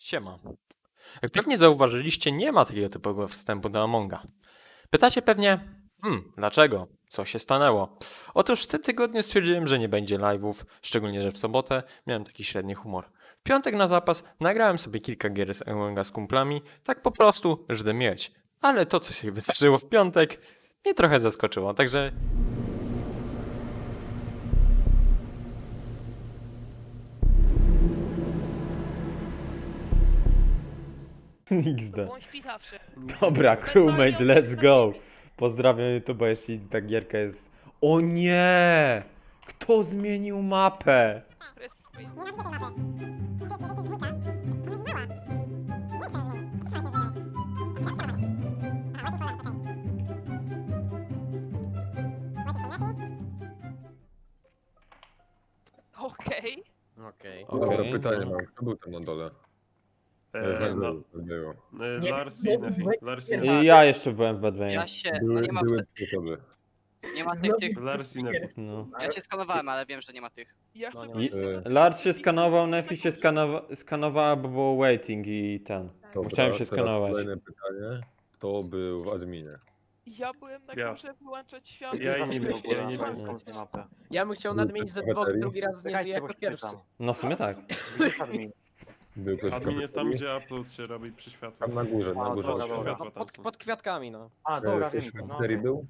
Siema. Jak pewnie zauważyliście, nie ma takiego typowego wstępu do Amonga. Pytacie pewnie, dlaczego? Co się stanęło? Otóż w tym tygodniu stwierdziłem, że nie będzie live'ów, szczególnie, że w sobotę miałem taki średni humor. W piątek na zapas nagrałem sobie kilka gier z Amonga z kumplami, tak po prostu, żeby mieć. Ale to, co się wydarzyło w piątek, mnie trochę zaskoczyło, także... XD. Bądź pisawszy. Dobra, crewmate, let's go. Pozdrawiam YouTube, jeśli ta gierka jest... O nie! Kto zmienił mapę? Okej. Okej. Dobra, Okej, pytanie no. mam. Kto był tam na dole? No, Było. Lars i Nefi. Lars i Nefi. I ja jeszcze byłem w Badmanie. Ja się, no Były, nie ma, były trzy osoby. nie ma tych, Lars i Nefi. No. ja się skanowałem, ale wiem, że nie ma tych. Ja No chcę nie. powiedzieć I- tylko Lars się tyle, że skanował, Pixel Nefi się tak skanowała, bo było waiting i ten. Dobra, Chciałem się teraz skanować. Kolejne pytanie. Kto był w adminie? Ja byłem na Ja. górze wyłączać światło. Ja i nie wiem, ja nie wiem. Ja bym chciał Był nadmienić, że ktoś w kafeterii? drugi raz nie żyje jako pierwszy. No w sumie tak. Był ktoś w Admin jest tam, kafeterii? gdzie upload się robi przy światłach. Tam na górze, na górze. dobra, dobra. No, pod kwiatkami, no. Ktoś w kafeterii był?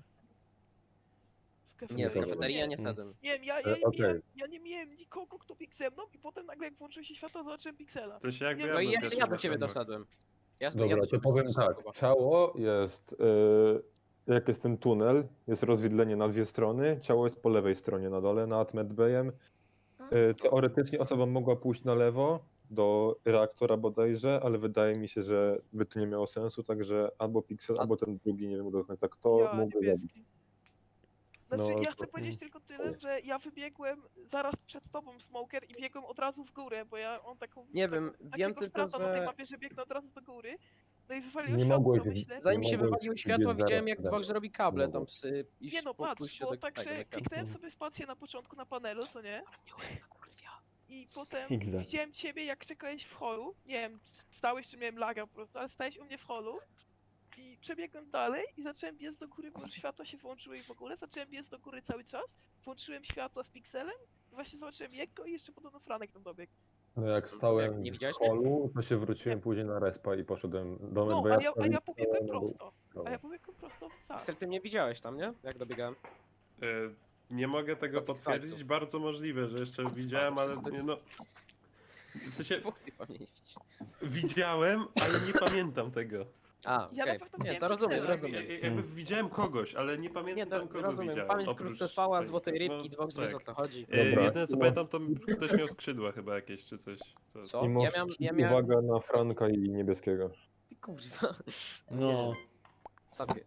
W Nie, w Dobra. kafeterii ja nie Nie wszedłem. wiem, okej. ja nie miałem nikogo, kto biegł ze mną i potem nagle jak włączyło się światło, zobaczyłem Pixela. To się jakby No No i byłem jeszcze pierwszy ja do na ciebie światłach. doszedłem. Ja Dobra, do to ciebie powiem doszedłem, tak. Kuba. Ciało jest... jak jest ten tunel, jest rozwidlenie na dwie strony. Ciało jest po lewej stronie na dole, nad medbayem. Teoretycznie osoba mogła pójść na lewo do reaktora bodajże, ale wydaje mi się, że by to nie miało sensu, także albo Pixel, albo ten drugi, nie wiem do końca kto Ja, mógł go zabić. niebieski. Znaczy, No, ja to- chcę powiedzieć tylko tyle, że ja wybiegłem zaraz przed tobą, Smoker, i biegłem od razu w górę, bo ja mam taką... Nie wiem, wiem takiego tylko, strata na tej że mapie, że biegnę od razu do góry. No i wywaliłem Nie światło, mogłeś- to myślę... zanim Nie się mogłem wywaliły biec światło, zaraz widziałem jak przede Dwok mną. robi kable Nie tam mogłem. przy... iść Nie no, po patrz, pójściu bo do tak tego, się do kable. kliknąłem sobie spację na początku na panelu, co nie? I potem XD. widziałem ciebie, jak czekałeś w holu. Nie wiem, stałeś czy miałem laga po prostu, ale stałeś u mnie w holu. I przebiegłem dalej i zacząłem biec do góry, bo już światła się włączyły i w ogóle. Zacząłem biec do góry cały czas. Włączyłem światła z Pixelem. I właśnie zobaczyłem jego i jeszcze podobno Franek tam dobiegł. No jak stałem Nie w widziałeś mnie? holu, to się wróciłem później na respa i poszedłem do No, medbaya. a ja pobiegłem prosto. A ja pobiegłem prosto w sam. Pixel, ty mnie widziałeś tam, nie? Jak dobiegałem. Nie mogę tego Do potwierdzić, Pixelców. bardzo możliwe, że jeszcze widziałem, ale nie, no... W sensie, Dwóch chyba nie widzi. widziałem, ale nie pamiętam tego. A, Ja na okej. pewno Nie, widziałem to rozumiem, Pixela. rozumiem. Jakby widziałem kogoś, ale nie Nie, pamiętam kogo rozumiem. widziałem. Pamięć oprócz krótkotrwała, swoich. złotej rybki, Dwok wiesz o tak. co chodzi. Dobra. Jedyne co No. pamiętam, to ktoś miał skrzydła chyba jakieś, czy coś. Co? I Ja ja miałem... uwaga na Franka i niebieskiego. Ty kurwa. No. Sobie.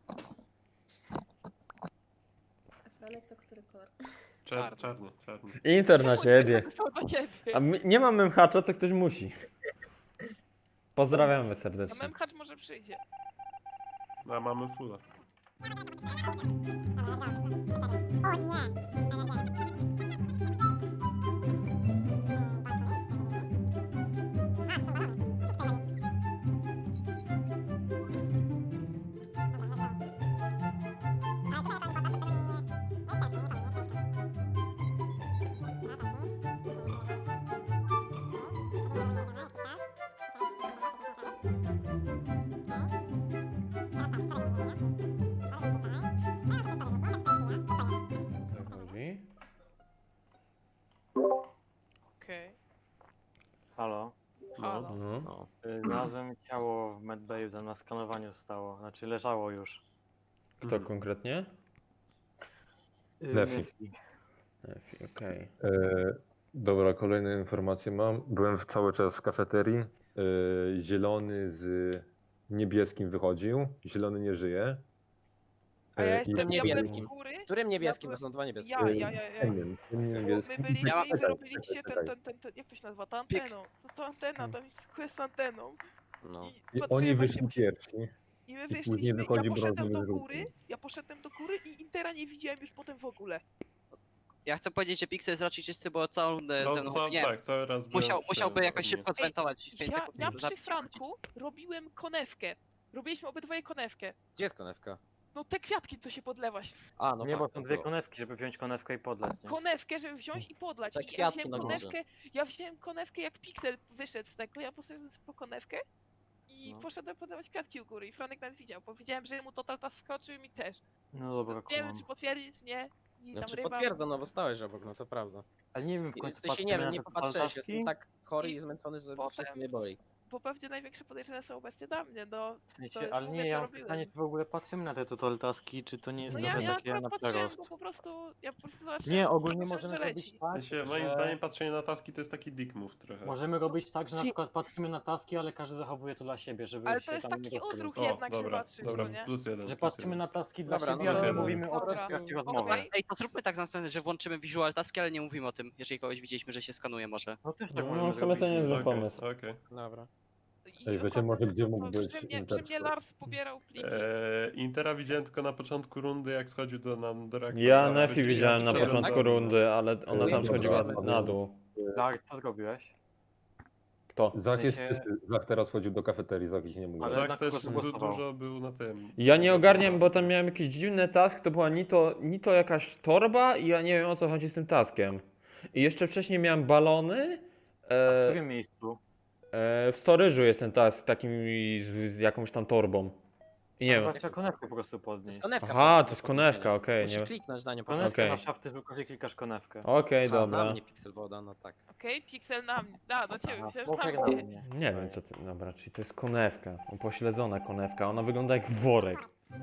Franek to który kolor? Czarny. Inter na siebie. Na ciebie. A nie mam memhacza, to ktoś musi. Pozdrawiamy A serdecznie. memhacz może przyjdzie. A mamy fulla. Chodzi? Okej. Halo, Halo. No. No. znalazłem ciało w medbayu, tam na skanowaniu stało, znaczy leżało już. Kto konkretnie? Nefi. Nefi, okej. Dobra, kolejne informacje mam. Byłem cały czas w kafeterii. Zielony z niebieskim wychodził. Zielony nie żyje. A ja I- jestem niebieskim. diabłem u góry. Którym niebieskim? Ja To są dwa niebieskie. Ja. Ciemnym, tym Bo niebieskim. my byliśmy Ja- i wy robiliście czekaj. ten, jak to się nazywa, ta anteną. To antena, tam jest quest z anteną. No. I patrzyłem oni właśnie, wyszli pierwsi. I my później wyszliśmy, wychodzi ja poszedłem do brązowy góry, żółty. ja poszedłem do góry i Intera nie widziałem już potem w ogóle. Ja chcę powiedzieć, że Pixel jest raczej czysty, bo całą rundę ze mną chodzi. Nie, tak, cały raz byłem musiałby w jakoś adminie. szybko zwentować 5 Ja, sekund. ja żeby przy zabić ludzi. Franku robiłem konewkę. Robiliśmy obydwoje konewkę. Gdzie jest konewka? No te kwiatki, co się podlewaś. A, no Nie, tak, bo to są dwie było. konewki, żeby wziąć konewkę i podleć, nie? Konewkę, żeby wziąć i podlać. Te I ja kwiatki wziąłem na górze. konewkę, jak Pixel wyszedł z tego, ja poszedłem po konewkę i No. poszedłem podawać kwiatki u góry i Franek nawet widział, bo widziałem, że mu total task skoczył i mi też. No dobra, Nie wiem, kumam. czy potwierdzić, czy nie. I tam Znaczy ryba. potwierdzam, no bo stałeś obok, no to prawda. Ale nie wiem, w W końcu sensie nie patrzymy wiem, na nie te popatrzyłeś, taski? jestem tak chory I i zmęczony, że potem- wszystko mnie boli. Bo pewnie największe podejrzenia są obecnie dla mnie, no. W To sensie, już ale mówię, nie, co ja mam robiłem. pytanie, czy w ogóle patrzymy na te tutorial taski, czy to nie jest No trochę ja takie akurat na patrzyłem, przerost? bo ja po prostu zobaczyłem, Nie, ogólnie zobaczyłem, możemy że robić leci. W tak, sensie, moim że zdaniem patrzenie na taski to jest taki dick move trochę. możemy robić tak, że na przykład patrzymy na taski, ale każdy zachowuje to dla siebie, żeby Ale się to jest tam taki nie rozpoczął. odruch O, jednak, że dobra, patrzysz, dobra, to nie? plus jeden. Że plus patrzymy jeden. na taski dla Dobra, siebie, no ale jeden. mówimy o Dobra. tym w trakcie Okej. rozmowy. Ej, to zróbmy tak następnie, że włączymy visual taski, ale nie mówimy o tym, jeżeli kogoś widzieliśmy, że się skanuje może. No też tak No, możemy w sumie to zrobić. nie jest zły Okej, pomysł. okej. Dobra. I Ej, wiecie ostatnio może gdzie to mógł być przy mnie Intersport? Lars pobierał pliki. Intera widziałem tylko na początku rundy, jak schodził do reaktora. Ja Tam Nefi schodzili widziałem na z początku przodu. rundy, ale ona tam Dobra, schodziła dobra. na dół. Tak, co zrobiłeś? Kto? Zach jest sensie- czysty. Zach teraz chodził do kafeterii, Zach ich nie mógł. Ale Zach na też kogo zagłosował? dużo był na tym. Ja nie ogarniam, bo tam miałem jakiś dziwny task, to była ni to jakaś torba i ja nie wiem o co chodzi z tym taskiem. I jeszcze wcześniej miałem balony. A w którym miejscu? W storage'u jest ten task takim z jakąś tam torbą. I nie wiem. Chyba trzeba konewkę po prostu To podnieść. jest konewka. Aha, po- to jest do konewka, podniesienia. okej, Musisz nie. kliknąć na nią po Konewkę prostu. Okej. na szafty, że klikasz konewkę. Okej, Aha, na dobra. mnie pixel woda, no tak. Okej, Pixel na mnie. Da, do ciebie, Aha, myślałem, że poczekaj na na mnie. mnie. Nie wiem co to. Dobra, czyli to jest konewka. Upośledzona konewka. Ona wygląda jak worek.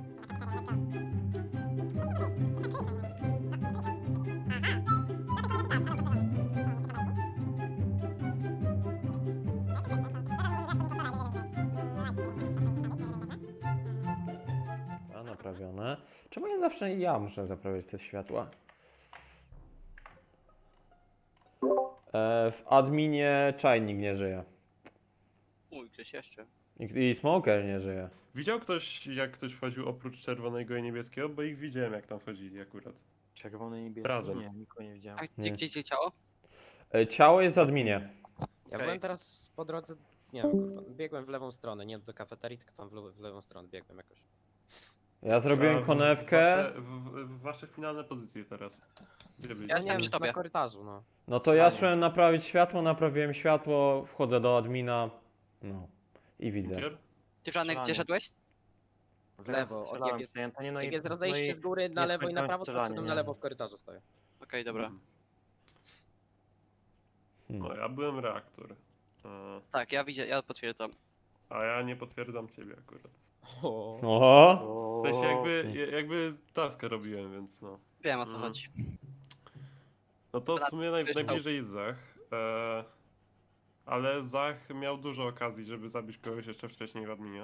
A naprawione. Czemu ja zawsze muszę zaprawiać te światła? W adminie czajnik nie żyje. Uj, ktoś jeszcze. I smoker nie żyje. Widział ktoś, jak ktoś wchodził oprócz czerwonego i niebieskiego? Bo ich widziałem, jak tam wchodzili akurat. Czerwony, niebieski? Razem. Nie, nikogo nie widziałem. A Nie. gdzie ciało? Ciało jest w adminie. Ja Okej. byłem teraz po drodze, nie wiem, kurwa, biegłem w lewą stronę, nie do kafeterii, tylko tam w lewą stronę biegłem jakoś. Ja A zrobiłem konewkę. w wasze finalne pozycje teraz. Gdzie byliście? Ja Ja nie jestem wiem, przy tobie. na korytarzu, no. No to ja szłem naprawić światło, naprawiłem światło, wchodzę do admina. No. I widzę. Cukier? Ty, Franek, gdzie Strzelanie. szedłeś? W lewo, Strzelałem jak jest- sobie, Antonię, no Jak i- jest no rozejście i- z góry na nie lewo i na skończyłem prawo, to strzelania, szedłem nie? na lewo w korytarzu stoję. Okej, dobra. No, ja byłem reaktor. Tak, ja potwierdzam. A ja nie potwierdzam ciebie akurat. Oho! W sensie O, jakby taskę robiłem, więc no. Wiem o co Mhm. chodzi. No to w sumie Kryształ. najbliżej jest Zach. Ale Zach miał dużo okazji, żeby zabić kogoś jeszcze wcześniej w adminie.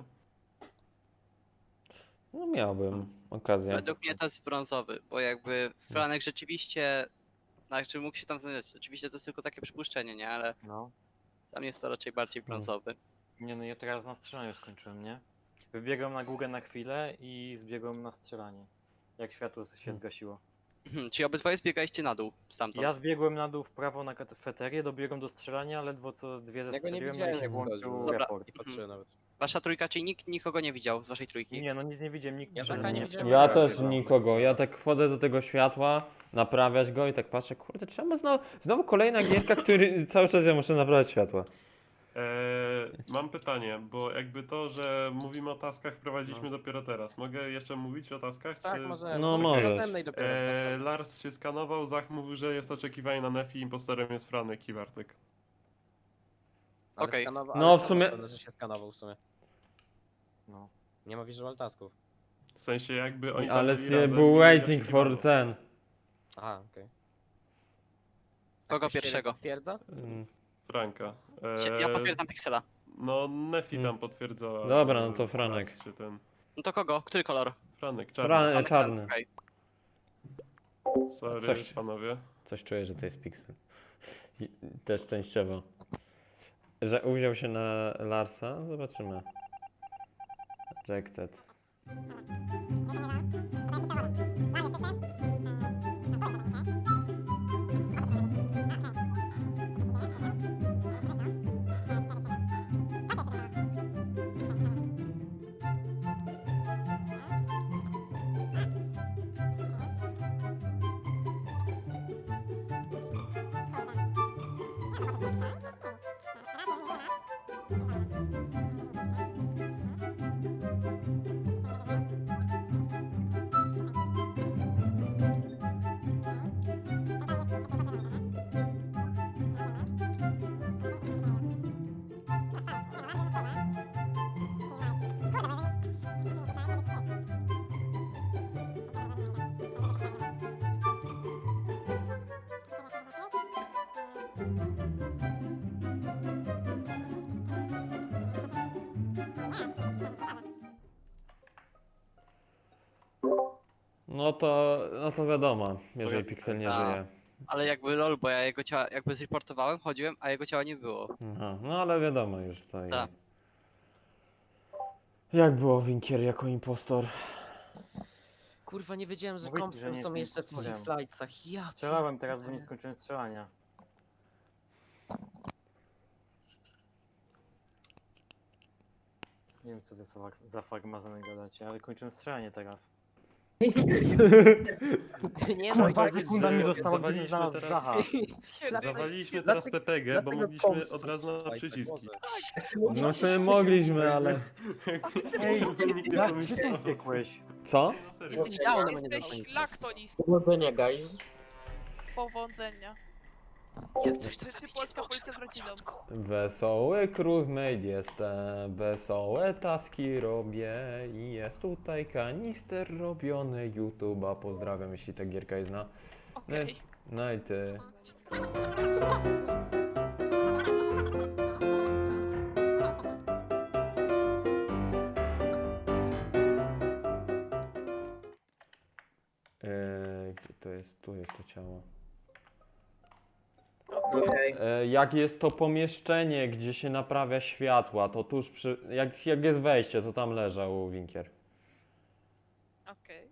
No miałbym okazję. Według mnie to jest brązowy, bo jakby Franek rzeczywiście, znaczy mógł się tam znaleźć. Oczywiście to jest tylko takie przypuszczenie, nie? Ale No. tam jest to raczej bardziej brązowy. Nie, no ja teraz na strzelaniu skończyłem, nie? Wybiegłem na górę na chwilę i zbiegłem na strzelanie. Jak światło się zgasiło. Czyli obydwoje zbiegaliście na dół stamtąd. Ja zbiegłem na dół w prawo na kafeterię, dobiegłem do strzelania, ledwo co dwie Ja go nie zestrzeliłem, no i widziałem, się jak włączył wchodził. Dobra. report. Nie patrzyłem nawet. Wasza trójka, czyli nikt nikogo nie widział z waszej trójki? Nie, no nic nie widziałem, nikt Ja przede Zacha nie mnie widziałem. Ja przebiegał. też nikogo. Ja tak wchodzę do tego światła, naprawiać go i tak patrzę, kurde, czemu znowu kolejna gierka, który cały czas ja muszę naprawiać światła. Mam pytanie, bo jakby to, że mówimy o taskach wprowadziliśmy dopiero teraz. Mogę jeszcze mówić o taskach? Tak, czy... może. No, do możesz. następnej dopiero. Lars się skanował, Zach mówił, że jest oczekiwanie na Nefi, impostorem jest Franek i Bartek. Ale okej. skanował- No, ale w skąd sumie- masz pewność, że się skanował w sumie. No. Nie ma visual tasków. W sensie jakby oni tam Ale byli razem i był nie waiting oczekiwano. for ten. Aha, okej. Kogo Ktoś ciebie pierwszego? Potwierdza? Franka. Ja potwierdzam Pixela. No Nefi tam potwierdzała. Dobra, no to Franek. Czy ten... No to kogo? Który kolor? Franek, czarny. Franek. Czarny. Okej. Sorry, Coś- panowie. Coś czuję, że to jest Pixel. I też częściowo. Że uwziął się na Larsa? Zobaczymy. Rejected. No to wiadomo, jeżeli Pixel nie A. żyje. Ale jakby lol, bo ja jego ciała jakby zreportowałem, chodziłem, a jego ciała nie było. Aha, no ale wiadomo już to. Tak. Jak było Winkier jako impostor? Kurwa, nie wiedziałem, że Mówię ci, kompsy że nie są jestem jeszcze w impostorem. tych slajdach. Ja Strzelałem teraz, bo nie pierdolę. skończyłem strzelania. Nie wiem, co wy za farmazony gadacie, ale kończyłem strzelanie teraz. Nie no, Kurwa, ja- sekunda mi że została, gdybym zawaliliśmy znalazł teraz- Zacha. Zawaliliśmy teraz Dlaczego- PPG, bo dlaczego mogliśmy kompsy od razu na slajdach? przyciski. Boże. No sobie mogliśmy, ale... Ej, Nikt nie jak ty pomyślał. tu biegłeś? Co? No serio. Jesteś downem, a nie Jesteś downem. laktonist. Powodzenia, guys. Powodzenia. Jak coś to Czy zabicie, polska Boże, policja z na rodziną? początku. Wesoły crewmate jestem, wesołe taski robię i jest tutaj kanister robiony YouTube'a. Pozdrawiam, jeśli ta gierka jest na... Okej. No i ty. Gdzie to jest? Tu jest to ciało. Okej. Jak jest to pomieszczenie, gdzie się naprawia światła, to tuż przy... Jak jest wejście, to tam leżał Winkier. Okej.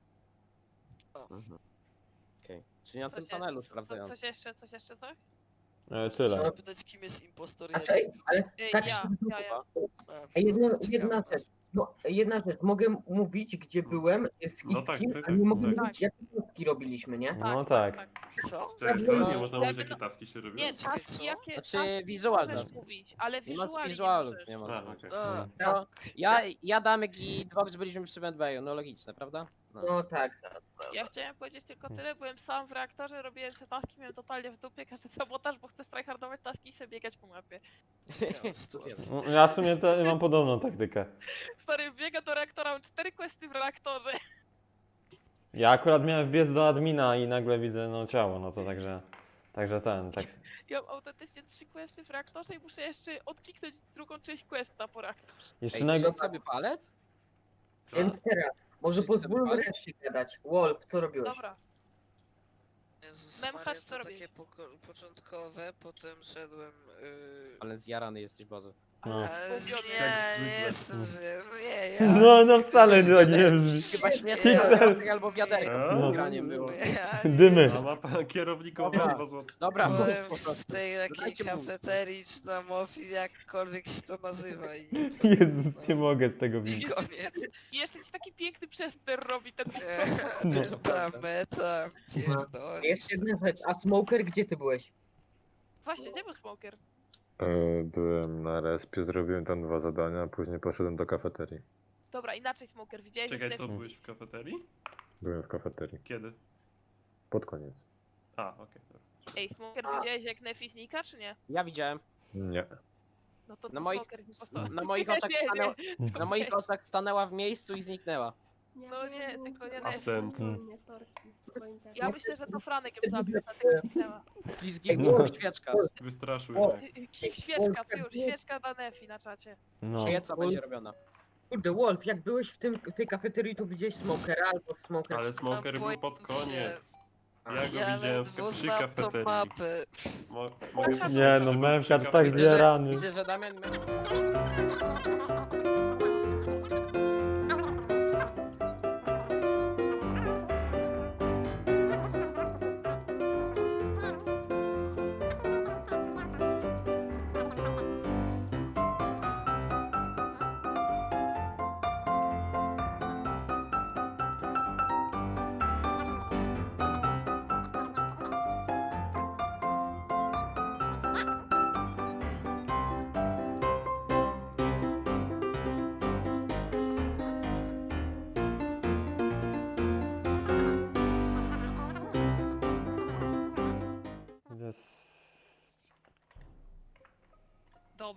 Okej. Czyli na tym Coś je- panelu co- sprawdzając. Coś jeszcze, coś jeszcze, coś? Tyle. Zapytać, kim jest impostor Znaczy, ej, ale tak Ja, się... ja. Ej, jedna ciekawe. rzecz. No, jedna rzecz. Mogę mówić, gdzie byłem z No z tak, kim, tak, a nie mogę tak. mówić, jakie taski robiliśmy, nie? No tak. Co? Czekaj, co? Nie No, można mówić, jakie taski się robią? Nie, Czekaj, taski co? jakie... Znaczy, taski wizualne. możesz mówić, ale Nie masz wizualnie wizualów, możesz. nie A, ma. okej. A, No, ja Damek i Dwox byliśmy przy Medbayu, no logiczne, prawda? No tak. Ja chciałem powiedzieć tylko tyle, byłem sam w reaktorze, robiłem sobie taski, miałem totalnie w dupie każdy sabotaż, bo chcę tryhardować taski i sobie biegać po mapie. No, ja w sumie mam podobną taktykę. Stary, biega do reaktora, mam 4 questy w reaktorze. Ja akurat miałem wbiec do admina i nagle widzę no ciało, no to także tak. Ja mam autentycznie 3 questy w reaktorze i muszę jeszcze odkliknąć drugą część questa po reaktorze. Jeszcze Ej, naj... strzel sobie palec? Co? Więc teraz, może Wszyscy pozwólmy wypalić? reszcie gadać. Wolf, co robiłeś? Dobra, Jezus Memhacz, Maria, co to robisz? takie początkowe, potem szedłem... Ale zjarany jesteś, Boże. No. Ale Zgubiony. nie, nie jestem zły, no nie, ja... No wcale nie brzmi. Chyba śmieszne Pixel. albo wiaderko A? przed graniem było. Ja Dymy. A ma pan kierownikowi Dobra. 2 zł. Dobra, mów byłem po w prostu. tej takiej Dajcie mówić. kafeterii, czy na mofii, jakkolwiek się to nazywa i Jezus, nie mogę z tego widzieć. koniec. i jeszcze ci taki piękny przester robi ten No. Meta, pierdolę. Jeszcze jedna rzecz, a Smoker, gdzie ty byłeś? Właśnie, gdzie był smoker? Byłem na respie, zrobiłem tam 2 zadania, później poszedłem do kafeterii. Dobra, inaczej smoker, widziałeś Czekaj, jak co, Nef- byłeś w kafeterii? Byłem w kafeterii. Kiedy? Pod koniec. A, okej. dobra. Ej, smoker, widziałeś jak Nefi znika, czy nie? Ja widziałem. Nie. No to Na to moich- smoker jest impostor. Na moich oczach Nie, nie, stanęła, to na moich weź. oczach stanęła w miejscu i zniknęła. No nie, tylko nie Nefi. Ascent. Ja myślę, że to Franek ją zabił, dlatego zniknęła. Pizgi No. świeczka. Wystraszył O. mnie. Kif świeczka, co już, świeczka dla Nefi na czacie. No. Świeca będzie robiona. Kurde, Wolf, jak byłeś w tej kafeterii, to widziałeś Smokera albo Smoker. Ale Smoker był pod koniec. Ja go Ja widziałem ledwo przy znam tą kafeterii. mapę. Mogę Nie, powiedzieć, Nie że no, był Memhard przy tak kafeterii. zjarany. Widzę, że Damian...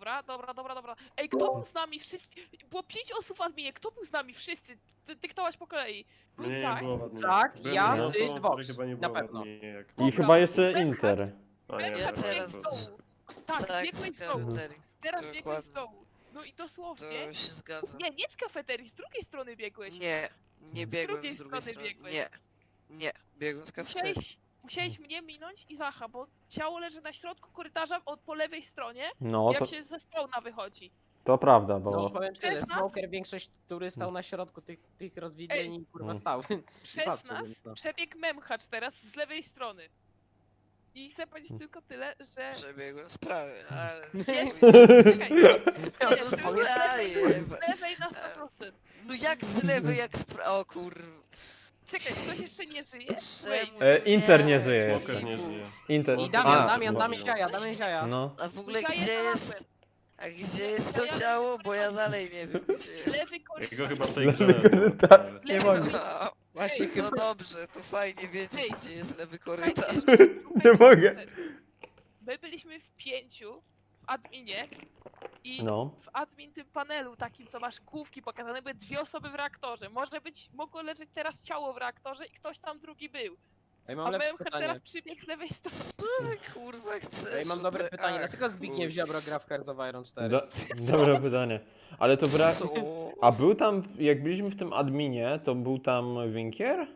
Dobra. Ej, kto był z nami wszyscy? Było 5 osób w adminie, kto był z nami wszyscy? Ty dyktować po kolei. Był Mnie nie Zach. było w adminie. Zach, Byłem ja, jedyną ty, osobą, Dwox. której chyba nie Na było w pewno. adminie, jak- I chyba jeszcze Inter. A nie, Ja Memhacz teraz biegłeś z dołu. Tak, Tak, biegłeś z z dołu. kafeterii. Teraz biegłeś z Dokładnie. dołu. No i To dosłownie. się zgadza. Nie z kafeterii, z drugiej strony biegłeś. Nie biegłem drugiej z drugiej strony strony. biegłeś. Nie, biegłem z kafeterii. Musiałeś mnie minąć i Zacha, bo ciało leży na środku korytarza po lewej stronie, No, jak to, się ze spawna wychodzi. to prawda, No bo... powiem tyle, Przez nas- Smoker większość, który stał na środku tych rozwidleń, kurwa Mm. stał. Przez Patrzył, nas więc no. przebiegł Memhacz teraz z lewej strony. I chcę powiedzieć tylko tyle, że... Przebiegłem z prawej, ale... Czekaj, No nie, zdaję. z lewej na 100%. No jak z lewej, jak z prawej? O kurwa. Czekaj, ktoś jeszcze nie żyje? Czemu Wait. tu Inter nie żyje Smoker nie żyje. Inter... I A, Damian Ziaja, Damian Ziaja. No. A w ogóle Ja gdzie jestem jest... A gdzie jest to ciało? Bo ja dalej nie wiem gdzie. Lewy korytarz. Jego chyba w tej Lewy grze nie było. korytarz. Lewy Nie mogę. korytarz. No, Właśnie no dobrze, to fajnie wiedzieć Ej. gdzie jest lewy korytarz. Nie mogę. My byliśmy w 5 w adminie i No. w admin tym panelu takim, co masz główki pokazane, były 2 osoby w reaktorze. Mogło leżeć teraz ciało w reaktorze i ktoś tam drugi był. Ej, A mam lepsze Memhacz pytanie. teraz przybiegł z lewej strony. Co ty kurwa chcesz? Ej, mam dobre ode- pytanie. Ach, Dlaczego Zbigniew kurwa. Ziobro gra w Hearts of Iron 4? Dobre pytanie. Ale to brak... Co? A był tam, jak byliśmy w tym adminie, to był tam Winkier?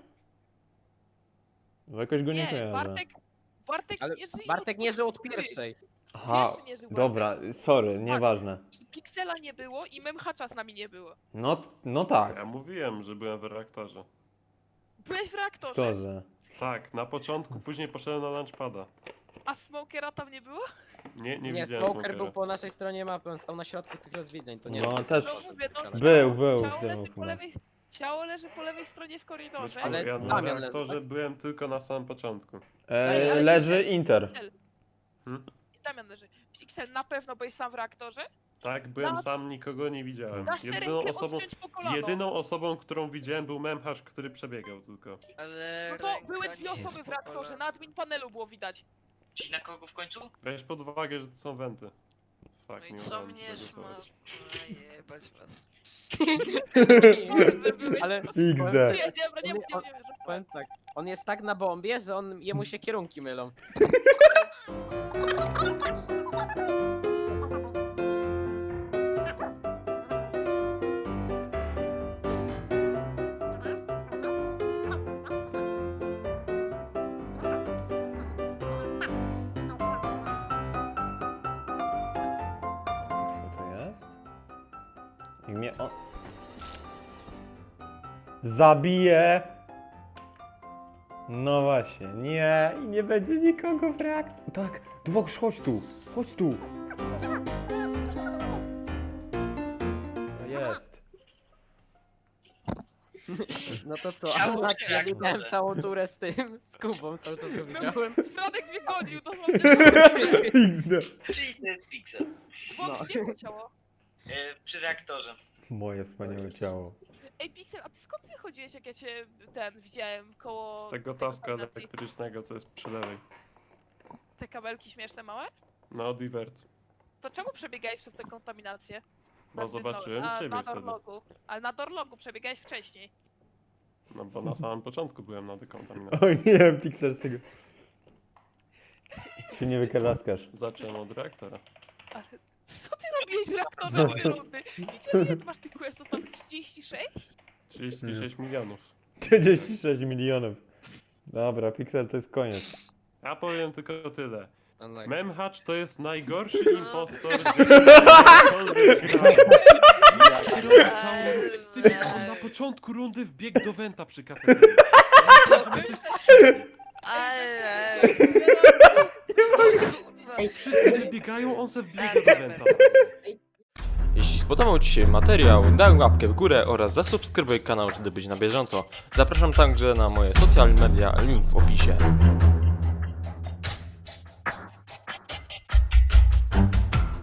Bo jakoś go nie Nie, kojarzę. Bartek Ale nie żyje Bartek nie żył od początku gry. pierwszej. Aha, Pierwszy nie żył dobra, sorry, nieważne. I Pixela nie było i Memhacza z nami nie było. No tak, Ja mówiłem, że byłem w reaktorze. Byłeś w reaktorze, to, że... Tak, na początku, później poszedłem na launchpada. a Smokera tam nie było? Nie Nie, widziałem Smoker Smokera. był po naszej stronie mapy, on stał na środku tych rozwidleń, to nie No, wiem. też No mówię, no był ciało był leży po chyba. lewej, ciało leży po lewej stronie w korytarzu. Ale Ja na Damian leży, reaktorze tak? byłem tylko na samym początku. Ej, ale Leży Pixel- Inter. Pixel. Hmm? Damian leży. Pixel, na pewno byłeś sam w reaktorze? Tak, byłem Na- sam, nikogo nie widziałem. Dasz sobie rękę odciąć po kolano. Jedyną osobą, którą widziałem był Memhacz, który przebiegał tylko. Ale No to ręka były nie 2 jest osoby w po reaktorze, kolana. na admin panelu było widać. Czyli na kogo w końcu? Weź pod uwagę, że to są wenty. No Fuck, i nie co udało mi mnie się tego szma... zgłosować. A jebać was. Powiedz, że byłeś Ale po prostu- XD. Nie, dobra, nie, Powiem tak, on jest tak na bombie, że jemu się kierunki mylą. Co to jest? I mnie on... Zabije! No właśnie, nie, i nie będzie nikogo w reaktorze. Tak, Dwox, chodź tu, chodź tu. No jest. No to co, Ciało tak, czy ja reaktorze? widziałem całą turę z tym, z Kubą, cały czas go widziałem. Franek mnie gonił, dosłownie. XD. Czyli to jest Pixel. Dwóch, gdzie było ciało? Przy reaktorze. Moje wspaniałe ciało. Ej, Pixel, a ty skąd wychodziłeś, jak ja cię widziałem koło... Z tego tej taska kontaminacji? elektrycznego, co jest przy lewej. Te kabelki śmieszne małe? No, divert. To czemu przebiegałeś przez tę kontaminację? Bo Na tym zobaczyłem ciebie na wtedy. Dorlogu. Ale na Dorlogu przebiegałeś wcześniej. No bo na samym początku byłem na dekontaminacji. O nie, Pixel z tego. Się nie wykarlaskasz. Zacząłem od reaktora. Ale co ty robiłeś w reaktorze 3 rundy? Widzę, ile ty masz tych questów, tam 36? 36 milionów. 36 milionów. Dobra, Pixel to jest koniec. Ja powiem tylko tyle. No tak. Memhacz to jest najgorszy impostor, z jakim kiedykolwiek grałem. On na początku rundy wbiegł do Wenta przy kafeterii. Że mnie coś strzeli. Wszyscy wybiegają, on se wbiega do Wenta. Jeśli spodobał Ci się materiał, daj łapkę w górę oraz zasubskrybuj kanał, żeby być na bieżąco. Zapraszam także na moje social media, link w opisie.